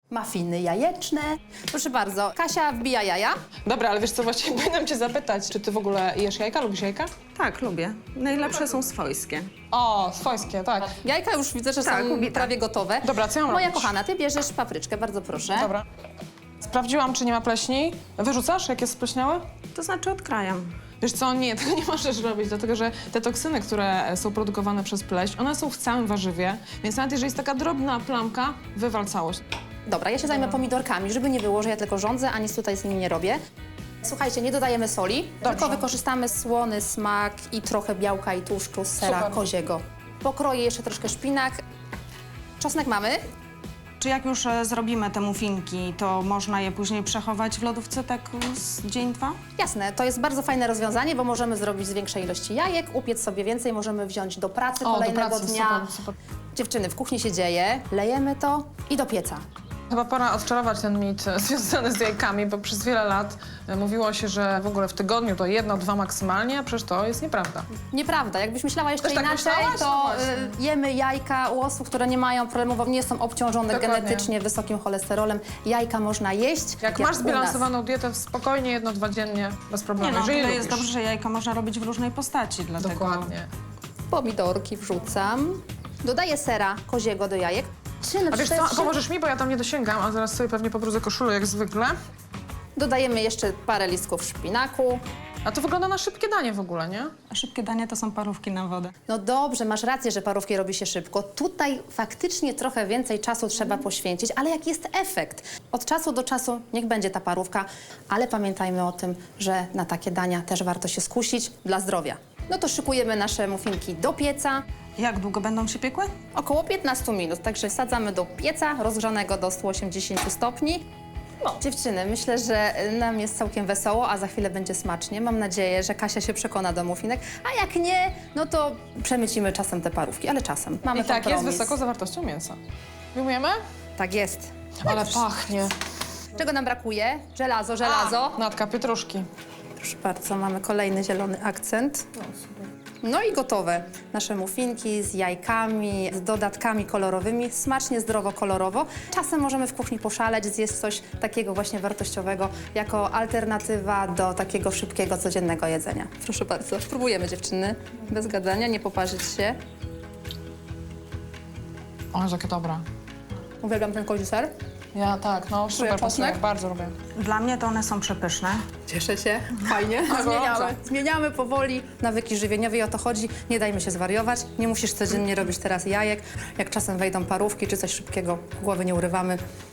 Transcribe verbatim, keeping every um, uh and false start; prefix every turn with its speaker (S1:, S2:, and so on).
S1: Mafiny jajeczne. Proszę bardzo, Kasia wbija jaja.
S2: Dobra, ale wiesz co, właściwie powinnam cię zapytać, czy ty w ogóle jesz jajka? Lubisz jajka?
S3: Tak, lubię. Najlepsze są swojskie.
S2: O, swojskie, tak.
S1: Jajka już widzę, że
S3: Tak,
S1: są
S3: lubię, tak.
S1: prawie gotowe.
S2: Dobra, co ja mam
S1: Moja
S2: robić?
S1: kochana, ty bierzesz papryczkę, bardzo proszę.
S2: Dobra. Sprawdziłam, czy nie ma pleśni. Wyrzucasz, jak jest spleśniałe?
S3: To znaczy odkrajam.
S2: Wiesz co, nie, tego nie możesz robić, dlatego że te toksyny, które są produkowane przez pleść, one są w całym warzywie, więc nawet jeżeli jest taka drobna plamka, wywal całość.
S1: Dobra, ja się zajmę pomidorkami, żeby nie było, że ja tylko rządzę, a nic tutaj z nimi nie robię. Słuchajcie, nie dodajemy soli,
S2: Dobrze.
S1: tylko wykorzystamy słony smak i trochę białka i tłuszczu z sera
S2: Super.
S1: koziego. Pokroję jeszcze troszkę szpinak. Czosnek mamy.
S3: Czy jak już e, zrobimy te muffinki, to można je później przechować w lodówce tak z dzień, dwa?
S1: Jasne, to jest bardzo fajne rozwiązanie, bo możemy zrobić z większej ilości jajek, upiec sobie więcej, możemy wziąć do pracy
S2: O, do
S1: kolejnego
S2: pracy,
S1: dnia.
S2: super, super.
S1: Dziewczyny, w kuchni się dzieje, lejemy to i do pieca.
S2: Chyba pora odczarować ten mit e, związany z jajkami, bo przez wiele lat e, mówiło się, że w ogóle w tygodniu to jedno, dwa maksymalnie, a przecież to jest nieprawda.
S1: Nieprawda, jakbyś myślała jeszcze
S2: Też tak
S1: inaczej,
S2: myślałaś? No
S1: to
S2: właśnie.
S1: y, jemy jajka u osób, które nie mają problemu, bo nie są obciążone
S2: Dokładnie.
S1: genetycznie wysokim cholesterolem. Jajka można jeść.
S2: Jak
S1: u
S2: masz
S1: nas.
S2: zbilansowaną dietę, spokojnie jedno, dwa dziennie, bez
S3: Nie
S2: problemu.
S3: no,
S2: jeżeli
S3: tyle
S2: lubisz.
S3: jest dobrze, że jajka można robić w różnej postaci, dlatego...
S2: Dokładnie.
S1: Pomidorki wrzucam. Dodaję sera koziego do jajek. Czy na
S2: A wiesz co,
S1: przykład
S2: pomożesz mi, bo ja tam nie dosięgam, a zaraz sobie pewnie pobrudzę koszulę jak zwykle.
S1: dodajemy jeszcze parę listków szpinaku.
S2: A to wygląda na szybkie danie w ogóle, nie?
S3: A szybkie danie to są parówki na wodę.
S1: No dobrze, masz rację, że parówki robi się szybko. Tutaj faktycznie trochę więcej czasu trzeba poświęcić, ale jaki jest efekt? Od czasu do czasu niech będzie ta parówka, ale pamiętajmy o tym, że na takie dania też warto się skusić dla zdrowia. No to szykujemy nasze muffinki do pieca.
S3: Jak długo będą się piekły?
S1: Około piętnaście minut, także wsadzamy do pieca rozgrzanego do stu osiemdziesięciu stopni. No, dziewczyny, myślę, że nam jest całkiem wesoło, a za chwilę będzie smacznie. Mam nadzieję, że Kasia się przekona do muffinek, a jak nie, no to przemycimy czasem te parówki, ale czasem. Mamy
S2: I tak, jest
S1: kompromis.
S2: wysoką zawartością mięsa. Wyjmujemy?
S1: Tak jest.
S2: Ale pachnie.
S1: Czego nam brakuje? Żelazo, żelazo.
S2: Natka, pietruszki.
S1: Proszę bardzo, mamy kolejny zielony akcent. No i gotowe. Nasze muffinki z jajkami, z dodatkami kolorowymi, smacznie, zdrowo, kolorowo. Czasem możemy w kuchni poszaleć, zjeść coś takiego właśnie wartościowego jako alternatywa do takiego szybkiego, codziennego jedzenia. Proszę bardzo, spróbujemy dziewczyny, bez gadania, nie poparzyć się.
S2: O, jakie dobre.
S1: Uwielbiam ten kozi ser.
S2: Ja tak, no super
S1: czosnek?
S2: pasuje, bardzo lubię.
S3: Dla mnie to one są przepyszne.
S1: Cieszę się, fajnie. Zmieniamy, zmieniamy powoli nawyki żywieniowe i o to chodzi. Nie dajmy się zwariować. Nie musisz codziennie robić teraz jajek. Jak czasem wejdą parówki czy coś szybkiego, głowy nie urywamy.